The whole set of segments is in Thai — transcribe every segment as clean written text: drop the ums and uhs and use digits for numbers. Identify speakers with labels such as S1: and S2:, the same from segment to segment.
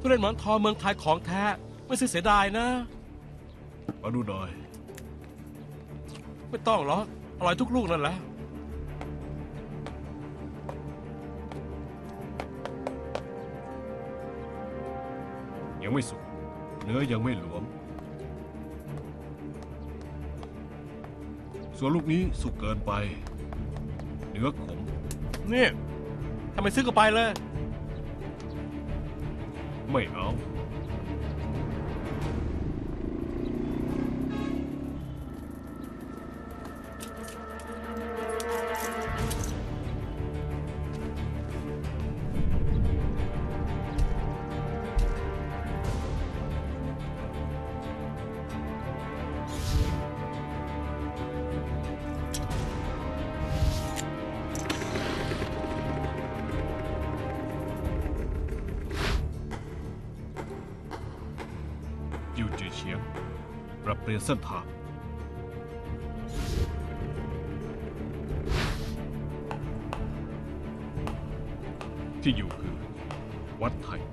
S1: ทุเรียนหมอนทองเมืองไทยของแท้ไม่เสียดายนะ
S2: มาดูหน่อย
S1: ไม่ต้องหรอกอร่อยทุกลูกนั่นแหละ
S2: ยังไม่สุกเนื้อยังไม่หลวมส่วนลูกนี้สุกเกินไปเนื้อขม
S1: นี่ทำไมซื้อก็ไปเลย
S2: ไม่เอาจิวจือเฉียงปรับเปลี่ยนเส้นทางที่อยู่คือวัดไทย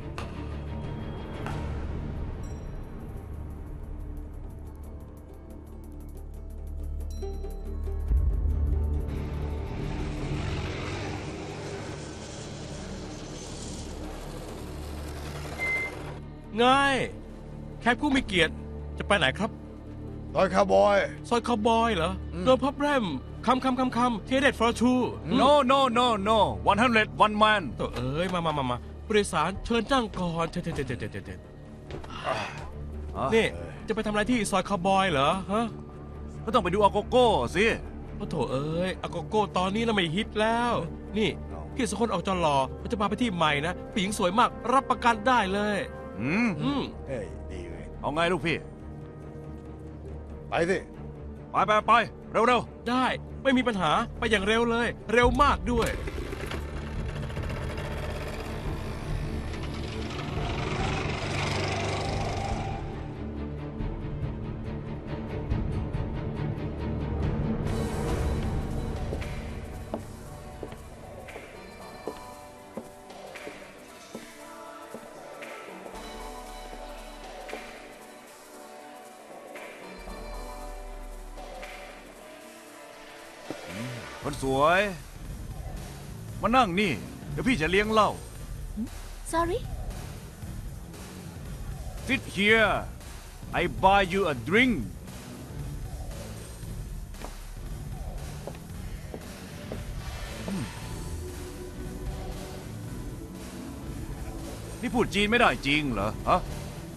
S1: ง่ายแคปผู้มีเกียรติจะไปไหนครับ
S3: ซอยคาวบอย
S1: ซอยคาวบอยเหรอโดนพับแรมคำเทเด็ดฟอร์ชู
S4: no 100 one man
S1: ตัวเอ้ยมาบริษัทเชิญจ้างก่อนเถิดนี่จะไปทำอะไรที่ซอยคาวบอยเหรอฮะ
S4: ก็ต้องไปดูอาโกโก้สิ
S1: โอ้โถเอ้ยอาโกโก้ตอนนี้น่ะไม่ฮิตแล้วนี่พี่สองคนออกจอหล่อจะพาไปที่ใหม่นะผู้หญิงสวยมากรับประกันได้เลย
S3: เฮ้ยดีเลย
S4: เอาไงลูกพี่
S3: ไปสิ
S4: ไปเร็ว
S1: ได้ไม่มีปัญหาไปอย่างเร็วเลยเร็วมากด้วย
S4: คนสวยมานั่งนี่เดี๋ยวพี่จะเลี้ยงเหล้า
S5: sorry
S4: sit here I buy you a drink นี่พูดจีนไม่ได้จริงเหรอฮะ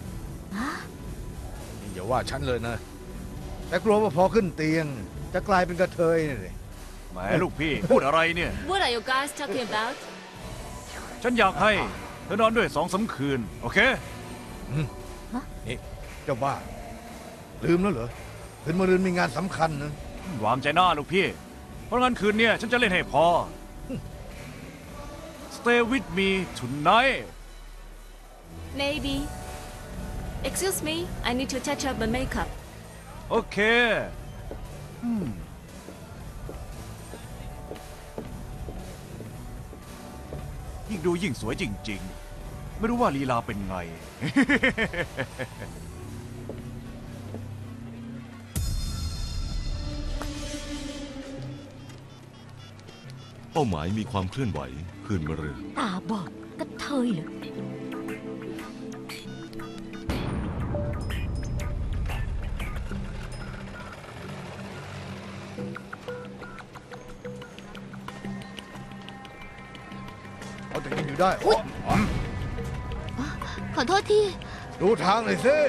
S3: อย่าว่าฉันเลยนะแต่กลัวว่าพอขึ้นเตียงจะกลายเป็นกระเทยนี่เลย
S4: แหมลูกพี่พูดอะไรเนี่ย
S5: What are you guys talking about
S4: ฉันอยากให้เธอนอนด้วย2-3 คืนโอเค
S3: นี่เจ้าบ้าลืมแล้วเหรอคืนมะรืนมีงานสำคัญนะ
S4: วางใจหน้าลูกพี่เพราะงั้นคืนนี้ฉันจะเล่นให้พอ Stay with me tonight
S5: maybe excuse me I need to touch up my makeup
S4: โอเคยิ่งดูยิ่งสวยจริงๆไม่รู้ว่าลีลาเป็นไง
S6: เป้าหมายมีความเคลื่อนไหวคืนมะรืน
S5: ตาบอดกระเทยเหรอ
S3: เอาแต่กินอยู่ได้
S5: ขอโทษที
S3: ดูทางหน่อยสิ